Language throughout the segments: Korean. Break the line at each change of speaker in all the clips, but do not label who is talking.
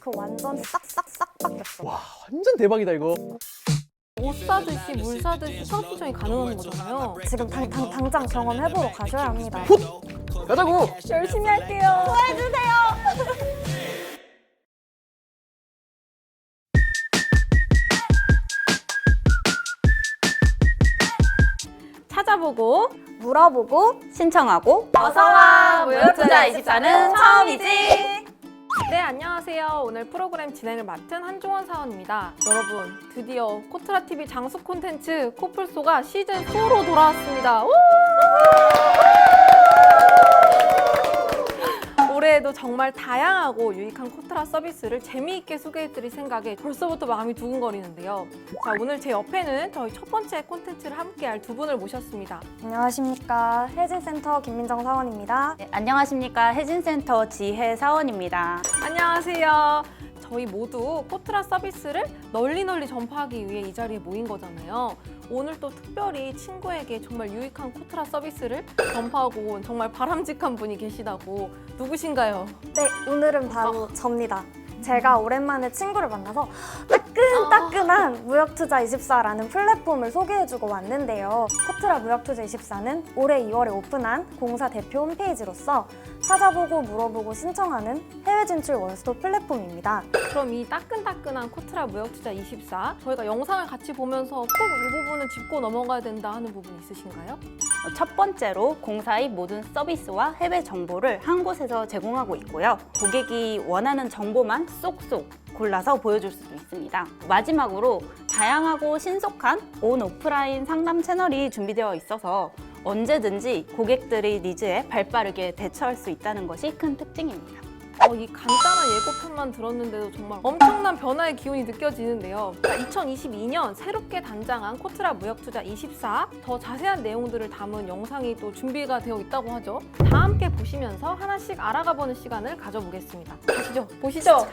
그 완전 싹싹싹 바뀌었어.
와, 완전 대박이다 이거.
옷 사듯이 물 사듯이 수업 신청이 가능한 거잖아요.
지금 당장 경험해보러 가셔야 합니다.
가자고.
열심히 할게요. 도와주세요.
찾아보고
물어보고
신청하고
어서와
무역투자 24는 처음이지.
네, 안녕하세요. 오늘 프로그램 진행을 맡은 한종원 사원입니다. 여러분, 드디어 코트라TV 장수 콘텐츠 코플소가 시즌4로 돌아왔습니다. 우! 올해에도 정말 다양하고 유익한 코트라 서비스를 재미있게 소개해드릴 생각에 벌써부터 마음이 두근거리는데요. 자, 오늘 제 옆에는 저희 첫 번째 콘텐츠를 함께할 두 분을 모셨습니다.
안녕하십니까. 혜진센터 김민정 사원입니다.
네, 안녕하십니까. 혜진센터 지혜 사원입니다.
안녕하세요. 저희 모두 코트라 서비스를 널리 전파하기 위해 이 자리에 모인 거잖아요. 오늘 또 특별히 친구에게 정말 유익한 코트라 서비스를 전파하고 온 정말 바람직한 분이 계시다고. 누구신가요?
네, 오늘은 바로 접니다. 제가 오랜만에 친구를 만나서 따끈따끈한 무역투자24라는 플랫폼을 소개해주고 왔는데요. 코트라 무역투자24는 올해 2월에 오픈한 공사 대표 홈페이지로서 찾아보고 물어보고 신청하는 해외 진출 원스톱 플랫폼입니다.
그럼 이 따끈따끈한 코트라 무역투자24 저희가 영상을 같이 보면서 꼭 이 부분은 짚고 넘어가야 된다 하는 부분 있으신가요?
첫 번째로 공사의 모든 서비스와 해외 정보를 한 곳에서 제공하고 있고요. 고객이 원하는 정보만 쏙쏙 골라서 보여줄 수도 있습니다. 마지막으로 다양하고 신속한 온 오프라인 상담 채널이 준비되어 있어서 언제든지 고객들의 니즈에 발빠르게 대처할 수 있다는 것이 큰 특징입니다.
이 간단한 예고편만 들었는데도 정말 엄청난 변화의 기운이 느껴지는데요. 2022년 새롭게 단장한 코트라 무역투자24 더 자세한 내용들을 담은 영상이 또 준비가 되어 있다고 하죠. 다 함께 보시면서 하나씩 알아가보는 시간을 가져보겠습니다. 가시죠. 보시죠.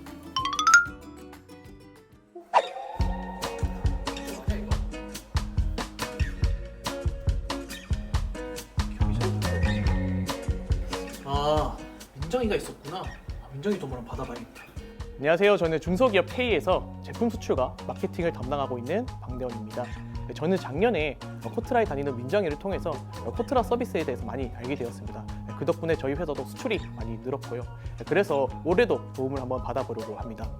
아, 민정이가 있었구나. 민정이 돈 한번 받아봐야겠다. 안녕하세요. 저는 중소기업 K에서 제품 수출과 마케팅을 담당하고 있는 방대원입니다. 저는 작년에 코트라에 다니는 민정이를 통해서 코트라 서비스에 대해서 많이 알게 되었습니다. 그 덕분에 저희 회사도 수출이 많이 늘었고요. 그래서 올해도 도움을 한번 받아보려고 합니다.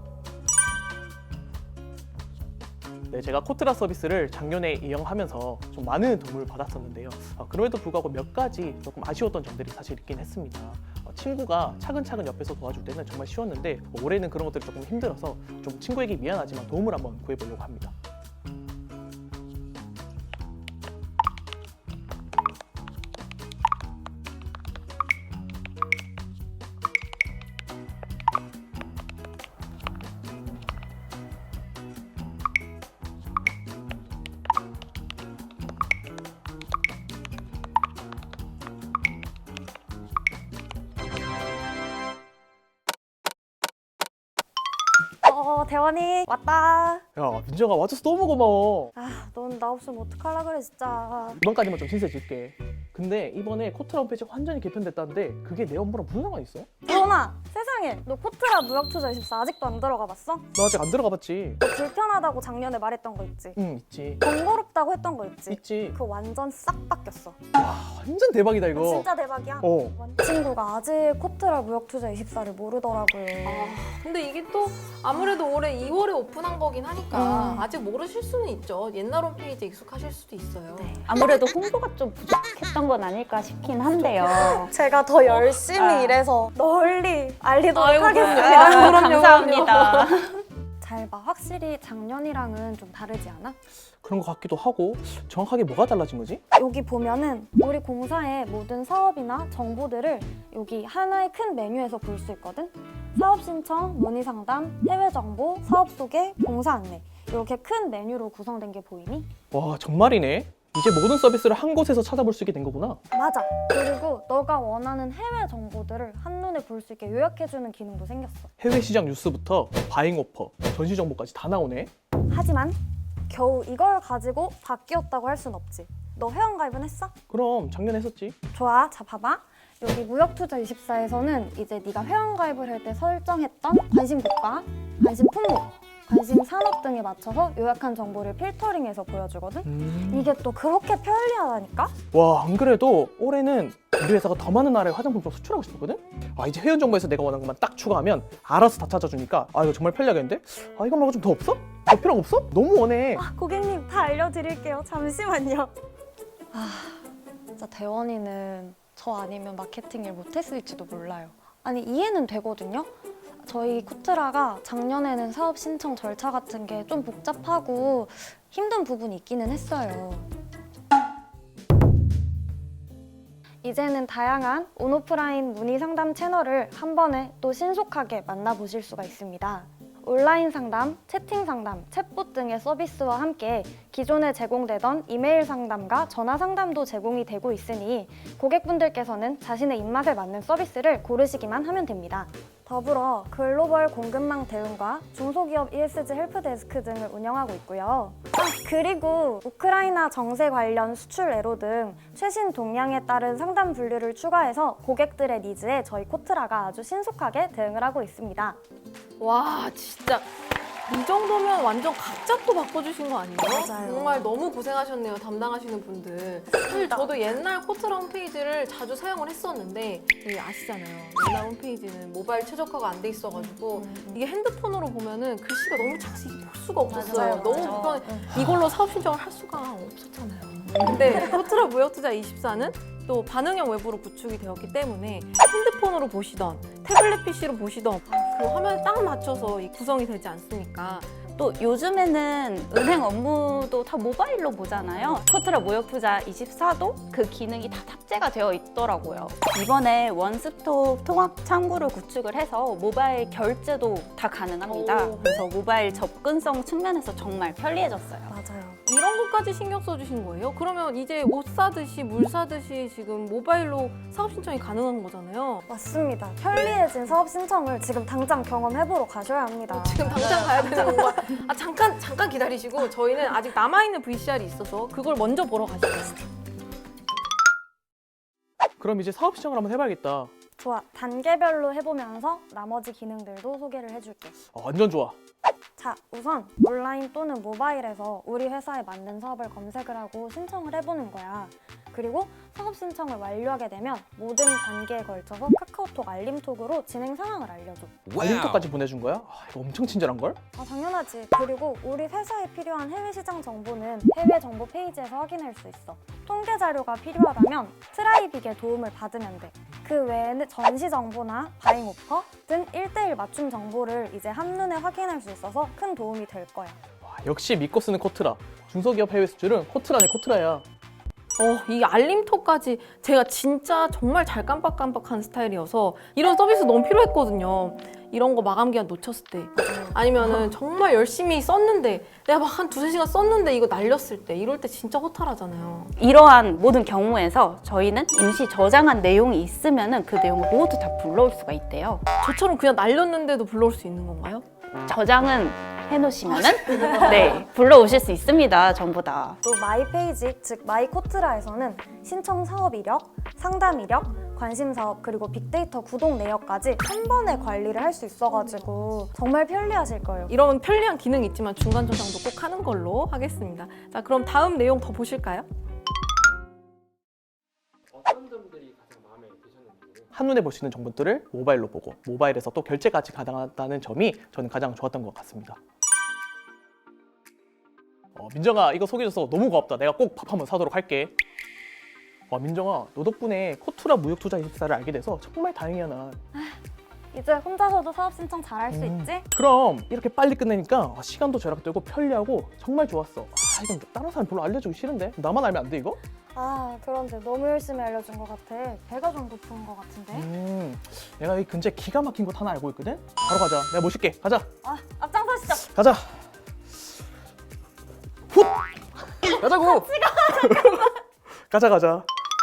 네, 제가 코트라 서비스를 작년에 이용하면서 좀 많은 도움을 받았었는데요. 그럼에도 불구하고 몇 가지 조금 아쉬웠던 점들이 사실 있긴 했습니다. 친구가 차근차근 옆에서 도와줄 때는 정말 쉬웠는데 올해는 그런 것들이 조금 힘들어서 좀 친구에게 미안하지만 도움을 한번 구해보려고 합니다.
대원이 왔다.
야, 민정아 와줘서 너무 고마워.
넌 나 없으면 어떡하려 그래 진짜.
이번까지만 좀 신세질게. 근데 이번에 코트라 홈페이지가 완전히 개편됐다는데 그게 내 업무랑 무슨 상관이 있어?
대원아, 세상에. 너 코트라 무역투자24 아직도 안 들어가 봤어?
너 아직 안 들어가 봤지?
너 불편하다고 작년에 말했던 거 있지?
응, 있지.
번거롭다고 했던 거 있지?
있지.
그거 완전 싹 바뀌었어.
와, 완전 대박이다 이거.
진짜 대박이야. 친구가 아직 코트라 무역투자24를 모르더라고요.
근데 이게 또 아무래도 올해 2월에 오픈한 거긴 하니까 아직 모르실 수는 있죠. 옛날 홈페이지에 익숙하실 수도 있어요.
아무래도 홍보가 좀 부족했던 건 아닐까 싶긴 한데요.
제가 더 열심히 일해서 널리 알리도록
아이고,
하겠습니다.
감사합니다.
잘 봐. 확실히 작년이랑은 좀 다르지 않아?
그런 것 같기도 하고 정확하게 뭐가 달라진 거지?
여기 보면은 우리 공사의 모든 사업이나 정보들을 여기 하나의 큰 메뉴에서 볼 수 있거든? 사업 신청, 문의 상담, 해외 정보, 사업 소개, 공사 안내 이렇게 큰 메뉴로 구성된 게 보이니?
와, 정말이네. 이제 모든 서비스를 한 곳에서 찾아볼 수 있게 된 거구나.
맞아. 그리고 너가 원하는 해외 정보들을 한눈에 볼 수 있게 요약해주는 기능도 생겼어.
해외 시장 뉴스부터 바잉 오퍼, 전시 정보까지 다 나오네.
하지만 겨우 이걸 가지고 바뀌었다고 할 순 없지. 너 회원가입은 했어?
그럼 작년에 했었지.
좋아. 자, 봐봐. 여기 무역투자24에서는 이제 네가 회원가입을 할 때 설정했던 관심 국가, 관심 품목, 관심 산업 등에 맞춰서 요약한 정보를 필터링해서 보여주거든? 이게 또 그렇게 편리하다니까?
와, 안 그래도 올해는 우리 회사가 더 많은 나라에 화장품 좀 수출하고 싶었거든? 이제 회원 정보에서 내가 원하는 것만 딱 추가하면 알아서 다 찾아주니까 이거 정말 편리하겠는데? 이거 말고 좀 더 없어? 더 필요한 거 없어? 너무 원해.
고객님 다 알려드릴게요. 잠시만요. 진짜 대원이는 저 아니면 마케팅 일 못했을지도 몰라요. 아니 이해는 되거든요. 저희 코트라가 작년에는 사업 신청 절차 같은 게 좀 복잡하고 힘든 부분이 있기는 했어요. 이제는 다양한 온오프라인 문의 상담 채널을 한 번에 또 신속하게 만나보실 수가 있습니다. 온라인 상담, 채팅 상담, 챗봇 등의 서비스와 함께 기존에 제공되던 이메일 상담과 전화 상담도 제공이 되고 있으니 고객분들께서는 자신의 입맛에 맞는 서비스를 고르시기만 하면 됩니다. 더불어 글로벌 공급망 대응과 중소기업 ESG 헬프데스크 등을 운영하고 있고요. 그리고 우크라이나 정세 관련 수출 애로 등 최신 동향에 따른 상담 분류를 추가해서 고객들의 니즈에 저희 코트라가 아주 신속하게 대응을 하고 있습니다.
와, 진짜 이 정도면 완전 각잡도 바꿔주신 거 아니에요?
맞아요.
정말 너무 고생하셨네요, 담당하시는 분들. 사실 저도 옛날 코트라 홈페이지를 자주 사용을 했었는데 아시잖아요. 옛날 홈페이지는 모바일 최적화가 안 돼 있어가지고 이게 핸드폰으로 보면은 글씨가 너무 작아서 볼 수가 없었어요.
맞아요.
너무 불편해. 이걸로 사업 신청을 할 수가 없었잖아요. 근데 코트라 무역투자24는 또 반응형 외부로 구축이 되었기 때문에 핸드폰으로 보시던 태블릿 PC로 보시던 그 화면에 딱 맞춰서 구성이 되지 않습니까?
또 요즘에는 은행 업무도 다 모바일로 보잖아요. 코트라 무역투자24도 그 기능이 다 탑재가 되어 있더라고요. 이번에 원스톱 통합 창구를 구축을 해서 모바일 결제도 다 가능합니다.
오.
그래서 모바일 접근성 측면에서 정말 편리해졌어요.
맞아요.
이런 것까지 신경 써주신 거예요? 그러면 이제 옷 사듯이 물 사듯이 지금 모바일로 사업 신청이 가능한 거잖아요.
맞습니다. 편리해진 사업 신청을 지금 당장 경험해보러 가셔야 합니다.
지금 당장 가야 되는 건가? 잠깐 기다리시고 저희는 아직 남아있는 VCR이 있어서 그걸 먼저 보러 가시겠습니다.
그럼 이제 사업 시청을 한번 해봐야겠다.
좋아. 단계별로 해보면서 나머지 기능들도 소개를 해줄게.
완전 좋아.
자, 우선 온라인 또는 모바일에서 우리 회사에 맞는 사업을 검색을 하고 신청을 해보는 거야. 그리고 사업 신청을 완료하게 되면 모든 단계에 걸쳐서 카카오톡 알림톡으로 진행 상황을 알려줘.
알림톡까지 보내준 거야? 이거 엄청 친절한걸?
당연하지. 그리고 우리 회사에 필요한 해외 시장 정보는 해외 정보 페이지에서 확인할 수 있어. 통계 자료가 필요하다면 트라이빅의 도움을 받으면 돼. 그 외에는 전시 정보나 바잉 오퍼 등 1:1 맞춤 정보를 이제 한눈에 확인할 수 있어서 큰 도움이 될 거야.
역시 믿고 쓰는 코트라. 중소기업 해외 수출은 코트라네 코트라야.
이 알림톡까지 제가 진짜 정말 잘 깜빡깜빡한 스타일이어서 이런 서비스 너무 필요했거든요. 이런 거 마감 기한 놓쳤을 때 아니면은 정말 열심히 썼는데 내가 막 한 2-3시간 썼는데 이거 날렸을 때 이럴 때 진짜 허탈하잖아요.
이러한 모든 경우에서 저희는 임시 저장한 내용이 있으면 그 내용을 모두 다 불러올 수가 있대요.
저처럼 그냥 날렸는데도 불러올 수 있는 건가요?
저장은 해놓으시면은 네 불러오실 수 있습니다. 전부 다.
또 마이 페이지, 즉 마이 코트라에서는 신청 사업 이력, 상담 이력, 관심 사업, 그리고 빅데이터 구독 내역까지 한 번에 관리를 할 수 있어가지고 정말 편리하실 거예요.
이런 편리한 기능이 있지만 중간 저장도 꼭 하는 걸로 하겠습니다. 자, 그럼 다음 내용 더 보실까요?
어떤 점들이 가장 마음에 드셨는지.
한눈에 볼 수 있는 정보들을 모바일로 보고 모바일에서 또 결제까지 가능하다는 점이 저는 가장 좋았던 것 같습니다. 민정아, 이거 소개해줘서 너무 고맙다. 내가 꼭 밥 한번 사도록 할게. 민정아, 너 덕분에 코트라 무역투자24를 알게 돼서 정말 다행이야 난.
이제 혼자서도 사업 신청 잘 할 수 있지?
그럼 이렇게 빨리 끝내니까 시간도 절약되고 편리하고 정말 좋았어. 이건 다른 사람 별로 알려주기 싫은데 나만 알면 안 돼 이거?
그런데 너무 열심히 알려준 것 같아. 배가 좀 고픈 것 같은데?
내가 여기 근처에 기가 막힌 곳 하나 알고 있거든? 바로 가자. 내가 모실게. 가자.
앞장서시죠.
가자. 훗! 가자고. 가자.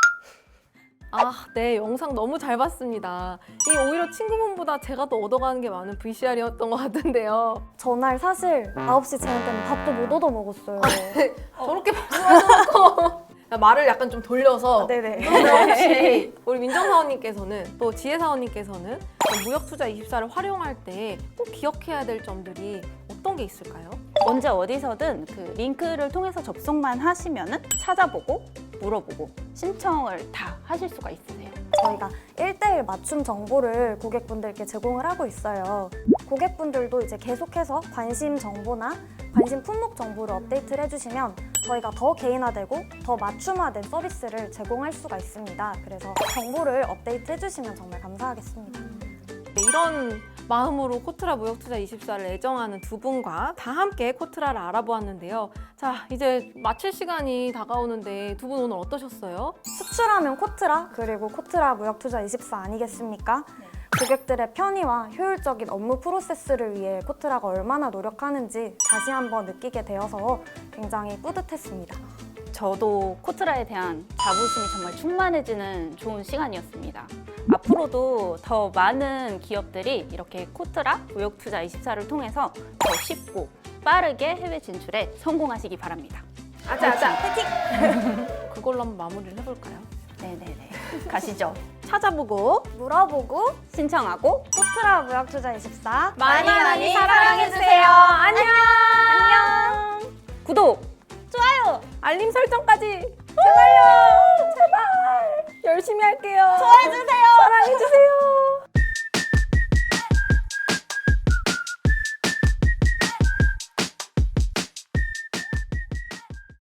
네, 영상 너무 잘 봤습니다. 이 오히려 친구분보다 제가 더 얻어가는 게 많은 VCR이었던 것 같은데요.
전날 사실 9시 제한 때문에 밥도 못 얻어 먹었어요.
저렇게 말씀하셔놓고 말을 약간 좀 돌려서
네네.
그러면 혹시 우리 민정사원님께서는 또 지혜사원님께서는 무역투자24를 활용할 때 꼭 기억해야 될 점들이 어떤 게 있을까요?
언제 어디서든 그 링크를 통해서 접속만 하시면은 찾아보고 물어보고 신청을 다 하실 수가 있으세요.
저희가 1대1 맞춤 정보를 고객분들께 제공을 하고 있어요. 고객분들도 이제 계속해서 관심 정보나 관심 품목 정보를 업데이트를 해주시면 저희가 더 개인화되고 더 맞춤화된 서비스를 제공할 수가 있습니다. 그래서 정보를 업데이트 해주시면 정말 감사하겠습니다.
네, 이런 마음으로 코트라 무역투자24를 애정하는 두 분과 다 함께 코트라를 알아보았는데요. 자, 이제 마칠 시간이 다가오는데 두 분 오늘 어떠셨어요?
수출하면 코트라, 그리고 코트라 무역투자24 아니겠습니까? 고객들의 편의와 효율적인 업무 프로세스를 위해 코트라가 얼마나 노력하는지 다시 한번 느끼게 되어서 굉장히 뿌듯했습니다.
저도 코트라에 대한 자부심이 정말 충만해지는 좋은 시간이었습니다. 앞으로도 더 많은 기업들이 이렇게 코트라 무역투자24를 통해서 더 쉽고 빠르게 해외 진출에 성공하시기 바랍니다.
아자, 파이팅! 그걸로 한번 마무리를 해볼까요?
네네네. 가시죠.
찾아보고
물어보고
신청하고
코트라 무역투자24
많이 사랑해주세요. 안녕!
안녕. 구독, 좋아요,
알림 설정까지 제발요! 제발! 열심히 할게요.
좋아해주세요.
사랑해주세요.